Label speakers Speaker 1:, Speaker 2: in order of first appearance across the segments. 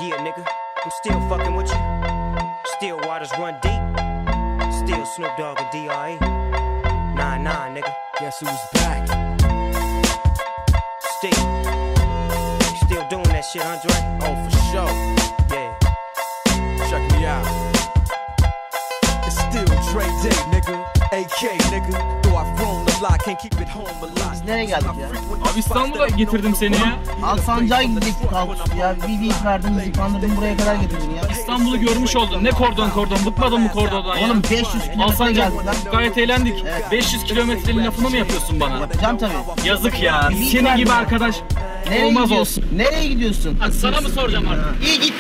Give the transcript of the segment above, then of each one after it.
Speaker 1: Yeah, nigga, I'm still fucking with you. Still waters run deep. Still Snoop Dogg and D.R.E. Nah, nigga. Guess who's back? Still doing that shit, Andre?
Speaker 2: Oh, for sure.
Speaker 1: Yeah.
Speaker 2: Check me out. It's still Dre Day, nigga. AK, nigga. Though I've grown a lot, can't keep it home a lot.
Speaker 3: Biz nereye geldik ya?
Speaker 4: Abi İstanbul'a getirdim seni ya.
Speaker 3: Alsancak'a gidecektik kalkıştı ya. Bir beat verdin, bizi kandırdın, buraya kadar getirdin ya.
Speaker 4: İstanbul'u görmüş oldun. Ne kordon, bıkmadın mı kordondan ya?
Speaker 3: Oğlum 500 kilometre
Speaker 4: Alsancak,
Speaker 3: geldik lan.
Speaker 4: gayet eğlendik.
Speaker 3: Evet.
Speaker 4: 500 kilometrenin lafını mı yapıyorsun bana?
Speaker 3: Yapacağım tabii.
Speaker 4: Yazık ya.
Speaker 3: Bir beat
Speaker 4: Senin
Speaker 3: verdin
Speaker 4: gibi
Speaker 3: ya.
Speaker 4: arkadaş
Speaker 3: Nereye
Speaker 4: olmaz
Speaker 3: gidiyorsun?
Speaker 4: olsun.
Speaker 3: Nereye gidiyorsun?
Speaker 4: Hadi sana mı soracağım artık?
Speaker 3: İyi git.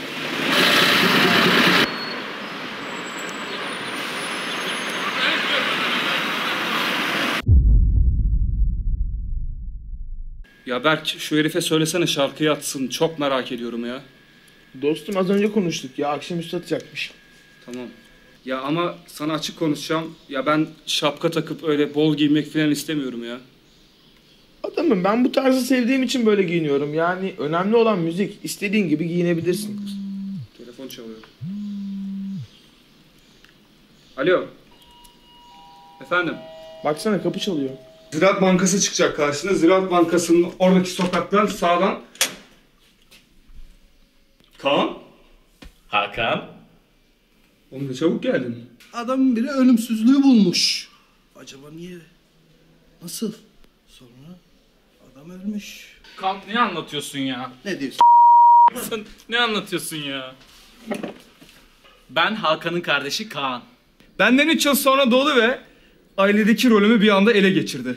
Speaker 5: Ya Berk şu herife söylesene şarkıyı atsın. Çok merak ediyorum ya.
Speaker 6: Dostum az önce konuştuk ya, akşamüstü atacakmış.
Speaker 5: Tamam. Ya ama sana açık konuşacağım. Ya ben şapka takıp öyle bol giymek falan istemiyorum ya.
Speaker 6: Adamım, ben bu tarzı sevdiğim için böyle giyiniyorum. Yani önemli olan müzik. İstediğin gibi giyinebilirsin.
Speaker 5: Telefon çalıyor. Alo. Efendim?
Speaker 6: Baksana, kapı çalıyor.
Speaker 5: Ziraat Bankası çıkacak karşına. Ziraat Bankası'nın oradaki sokaktan sağdan. Kaan?
Speaker 7: Hakan?
Speaker 5: Oğlum ne çabuk geldin.
Speaker 8: Adamın biri ölümsüzlüğü bulmuş. Acaba niye? Nasıl? Sonra adam ölmüş.
Speaker 4: Kant ne anlatıyorsun ya?
Speaker 8: Ne diyorsun?
Speaker 4: Sen ne anlatıyorsun ya? Ben Hakan'ın kardeşi Kaan.
Speaker 5: Benden 3 yıl sonra doğdu ve ailedeki rolümü bir anda ele geçirdi.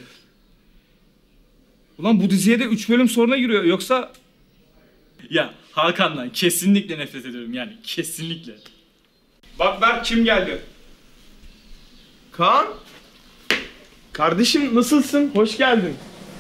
Speaker 5: Ulan bu diziye de 3 bölüm sonra giriyor. Yoksa
Speaker 4: Ya Hakan'dan kesinlikle nefret ediyorum yani kesinlikle.
Speaker 5: bak Berk kim geldi?
Speaker 6: Kaan? Kardeşim nasılsın? Hoş geldin.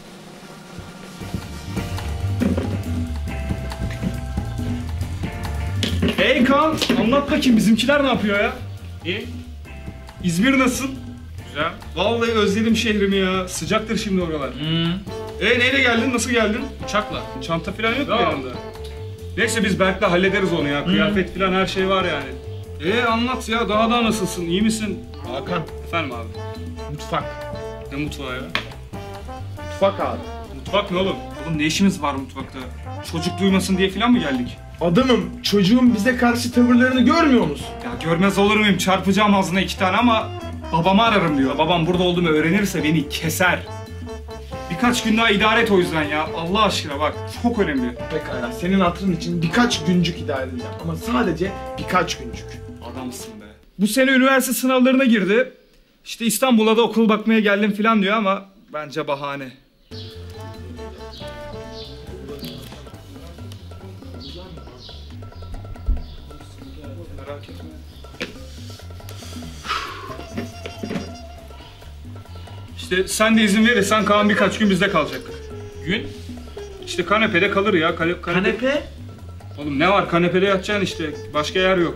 Speaker 5: Hey Kaan, anlat bakayım bizimkiler ne yapıyor ya?
Speaker 4: İyi.
Speaker 5: İzmir nasıl?
Speaker 4: Güzel.
Speaker 5: Vallahi özledim şehrimi ya. Sıcaktır şimdi oralar. Neyle geldin? Nasıl geldin?
Speaker 4: Uçakla.
Speaker 5: Çanta falan yok mu
Speaker 4: Yok.
Speaker 5: yanında? Neyse biz Berk'le hallederiz onu ya. Kıyafet falan her şey var yani. Anlat ya. Daha nasılsın? İyi misin?
Speaker 6: Hakan,
Speaker 5: Efendim abi.
Speaker 6: mutfak.
Speaker 5: Ne mutfağı ya?
Speaker 6: Mutfak abi.
Speaker 5: Mutfak ne oğlum? Oğlum ne işimiz var mutfakta? Çocuk duymasın diye falan mı geldik?
Speaker 6: Adamım, çocuğun bize karşı tavırlarını görmüyor musun?
Speaker 5: Ya görmez olur muyum? Çarpacağım ağzına 2 tane ama babamı ararım diyor. Babam burada olduğumu öğrenirse beni keser. Birkaç gün daha idare et o yüzden ya. Allah aşkına bak. Çok önemli.
Speaker 6: Pekala, senin hatırın için birkaç güncük idare edeceğim. Ama sadece birkaç güncük.
Speaker 5: Adamsın be. Bu sene üniversite sınavlarına girdi. İşte İstanbul'a da okul bakmaya geldim falan diyor ama bence bahane. Merak etme. İşte sen de izin verirsen Kaan birkaç gün bizde kalacak.
Speaker 4: Gün?
Speaker 5: İşte kanepede kalır ya.
Speaker 4: Kanepe?
Speaker 5: Oğlum ne var, kanepede yatacaksın işte. Başka yer yok.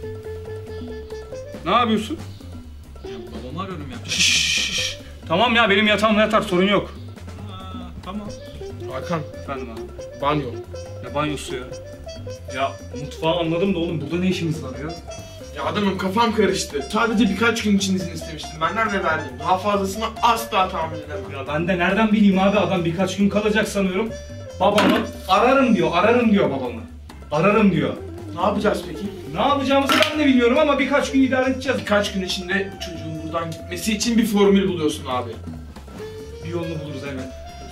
Speaker 5: Ne yapıyorsun?
Speaker 4: Ya babamı arıyorum ya.
Speaker 5: Şşş. Tamam ya, benim yatağımda yatar, sorun yok.
Speaker 4: Tamam.
Speaker 6: Hakan,
Speaker 5: Efendim abi.
Speaker 6: banyo.
Speaker 5: Ne banyosu ya? Ya mutfağı anladım da oğlum burada ne işimiz var ya?
Speaker 6: Ya adamım, kafam karıştı. Sadece birkaç gün için izin istemiştim. Benden de verdim. Daha fazlasını asla tahammül edemem.
Speaker 5: Ya ben de nereden bileyim abi, adam birkaç gün kalacak sanıyorum. Babamı ararım diyor babamı. Ararım diyor.
Speaker 6: Ne yapacağız peki?
Speaker 5: Ne yapacağımızı ben de bilmiyorum ama birkaç gün idare edeceğiz.
Speaker 6: Birkaç gün içinde bu çocuğun buradan gitmesi için bir formül buluyorsun abi.
Speaker 5: Bir yolunu buluruz elbet.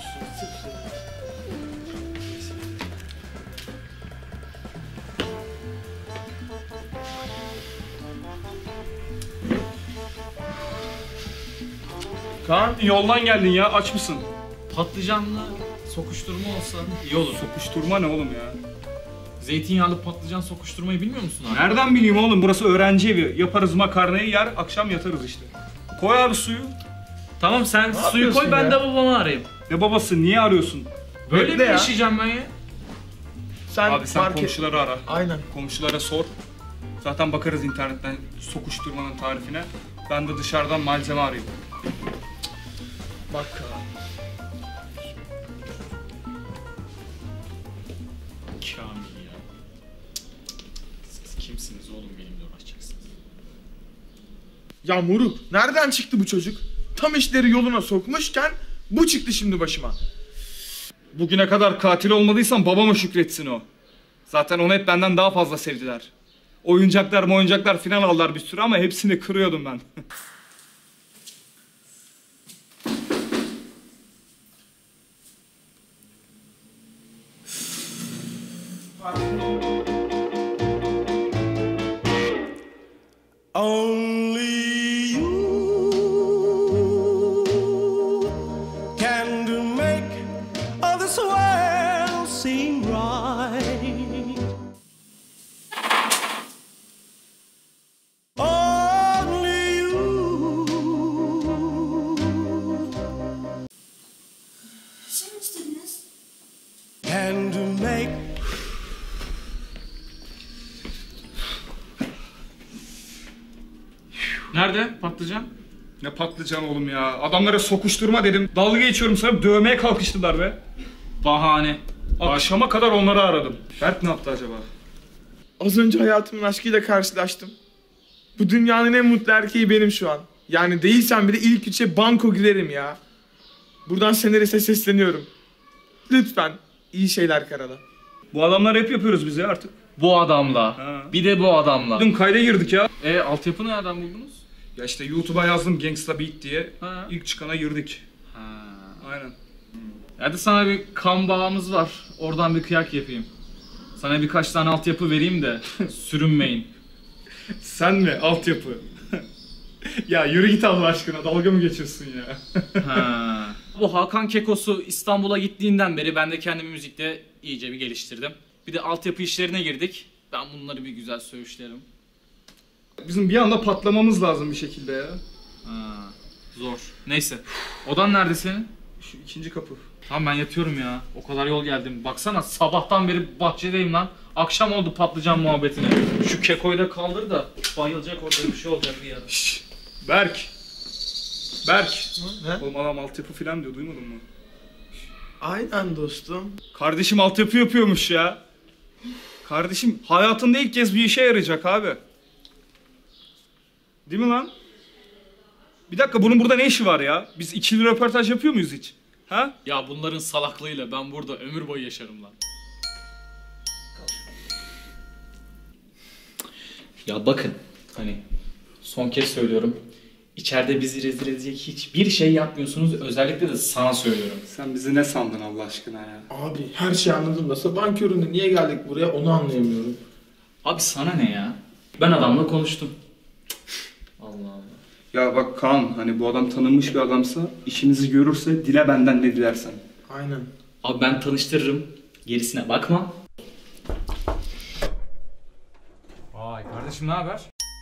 Speaker 6: Kaan,
Speaker 5: Yoldan geldin ya, aç mısın?
Speaker 4: Patlıcanla sokuşturma olsa iyi olur.
Speaker 5: Sokuşturma ne oğlum ya?
Speaker 4: Zeytinyağlı patlıcan sokuşturmayı bilmiyor musun abi?
Speaker 5: Nereden bileyim oğlum, burası öğrenci evi. Yaparız makarnayı, yer akşam yatarız işte. Koy abi suyu.
Speaker 4: Tamam sen suyu
Speaker 6: yapıyorsun
Speaker 4: koy ben
Speaker 6: ya?
Speaker 4: de babamı arayayım.
Speaker 5: Ne babası, niye arıyorsun?
Speaker 4: Böyle
Speaker 6: Bekle
Speaker 4: mi
Speaker 6: ya.
Speaker 4: yaşayacağım ben ya?
Speaker 6: sen
Speaker 5: Abi sen
Speaker 6: fark et.
Speaker 5: komşuları ara.
Speaker 6: Aynen.
Speaker 5: Komşulara sor. Zaten bakarız internetten sokuşturmanın tarifine. Ben de dışarıdan malzeme arayayım.
Speaker 6: Bak Kaan.
Speaker 4: Kamil ya. Kimsiniz oğlum benimle uğraşacaksınız?
Speaker 6: Ya moruk, nereden çıktı bu çocuk? Tam işleri yoluna sokmuşken bu çıktı şimdi başıma.
Speaker 5: Bugüne kadar katil olmadıysam babama şükretsin o. Zaten onu hep benden daha fazla sevdiler. Oyuncaklar filan aldılar bir sürü ama hepsini kırıyordum ben.
Speaker 7: Only you can make this world seem right. Only you can make.
Speaker 4: Nerede patlıcan?
Speaker 5: Ne patlıcan oğlum ya. Adamlara sokuşturma dedim. Dalga geçiyorum sana, dövmeye kalkıştılar be.
Speaker 4: Bahane.
Speaker 5: Akşama kadar onları aradım. Berk ne yaptı acaba?
Speaker 6: Az önce hayatımın aşkıyla karşılaştım. Bu dünyanın en mutlu erkeği benim şu an. Yani değilsem bile ilk üçe banko girerim ya. Buradan senariste sesleniyorum. Lütfen iyi şeyler karala.
Speaker 5: Bu adamlar hep yapıyoruz biz ya artık.
Speaker 4: Bu adamla.
Speaker 5: Ha.
Speaker 4: Bir de bu adamla.
Speaker 5: Dün kayda girdik ya.
Speaker 4: Altyapı nereden buldunuz?
Speaker 5: Ya işte YouTube'a yazdım Gangsta Beat diye.
Speaker 4: Ha.
Speaker 5: İlk çıkana girdik.
Speaker 4: Ha.
Speaker 5: Aynen.
Speaker 4: Hadi sana bir kan bağımız var. Oradan bir kıyak yapayım. Sana birkaç tane altyapı vereyim de sürünmeyin.
Speaker 5: Sen mi? Altyapı. Ya yürü git Allah aşkına. Dalga mı geçiyorsun ya?
Speaker 4: Ha. Bu Hakan Kekosu İstanbul'a gittiğinden beri ben de kendimi müzikte iyice bir geliştirdim. Bir de altyapı işlerine girdik. Ben bunları bir güzel söğüşlerim.
Speaker 5: Bizim bir anda patlamamız lazım bir şekilde ya.
Speaker 4: Ha. Zor. Neyse. Odan nerede senin?
Speaker 5: Şu ikinci kapı.
Speaker 4: Tamam ben yatıyorum ya. O kadar yol geldim. Baksana sabahtan beri bahçedeyim lan. Akşam oldu patlıcan muhabbetine. Şu Keko'yu da kaldır da bayılacak orada bir şey olacak bir yere.
Speaker 5: Şşş. Berk. Berk.
Speaker 6: Ne?
Speaker 5: Oğlum adam altyapı falan diyor, duymadın mı?
Speaker 6: Aynen dostum.
Speaker 5: Kardeşim altyapı yapıyormuş ya. Kardeşim hayatında ilk kez bir işe yarayacak abi. Değil mi lan? Bir dakika, bunun burada ne işi var ya? Biz ikili röportaj yapıyor muyuz hiç? Ha?
Speaker 4: Ya bunların salaklığıyla ben burada ömür boyu yaşarım lan. Ya bakın hani son kez söylüyorum. İçeride bizi rezil edecek hiçbir şey yapmıyorsunuz. Özellikle de sana söylüyorum.
Speaker 5: Sen bizi ne sandın Allah aşkına ya?
Speaker 6: Abi her şeyi anladım da sabahın köründe niye geldik buraya onu anlayamıyorum.
Speaker 4: Abi sana ne ya? Ben adamla konuştum. Allah Allah.
Speaker 5: Ya bak Kaan, hani bu adam tanınmış bir adamsa, işimizi görürse dile benden ne dilersen.
Speaker 6: Aynen.
Speaker 4: Abi ben tanıştırırım. Gerisine bakma. Vay kardeşim ne haber?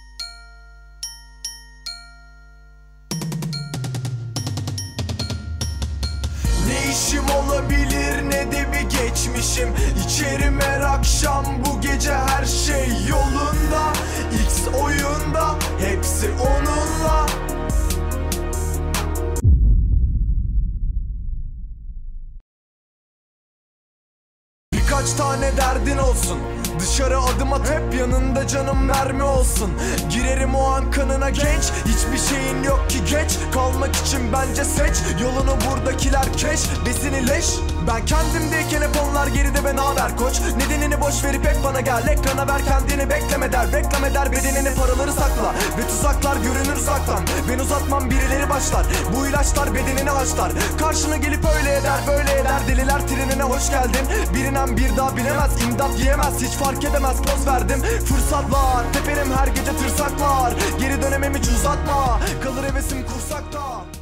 Speaker 7: Ne işim olabilir ne de bir geçmişim. İçerim her akşam, bu gece her şey yolunda. X oyunda hepsi onunla. Birkaç tane derdin olsun, dışarı adım at, hep yanında canım mermi olsun. Girerim o an kanına genç, hiçbir şeyin yok ki geç kalmak için bence seç yolunu, buradakiler keş besini leş. Ben kendimdeyken hep onlar geride, ben haber koç. Nedenini boş verip hep bana gel, ekrana ver kendini, bekleme der. Reklam eder bedenini, paraları sakla ve tuzaklar görünür uzaktan. Ben uzatmam birileri başlar, bu ilaçlar bedenini haşlar. Karşına gelip öyle eder böyle eder, deliler trenine hoş geldin. Birinen bir daha binemez, imdat yiyemez, hiç fark edemez, poz verdim. Fırsat var, teperim her gece tırsak var. Geri dönemem hiç uzatma, kalır hevesim kursakta.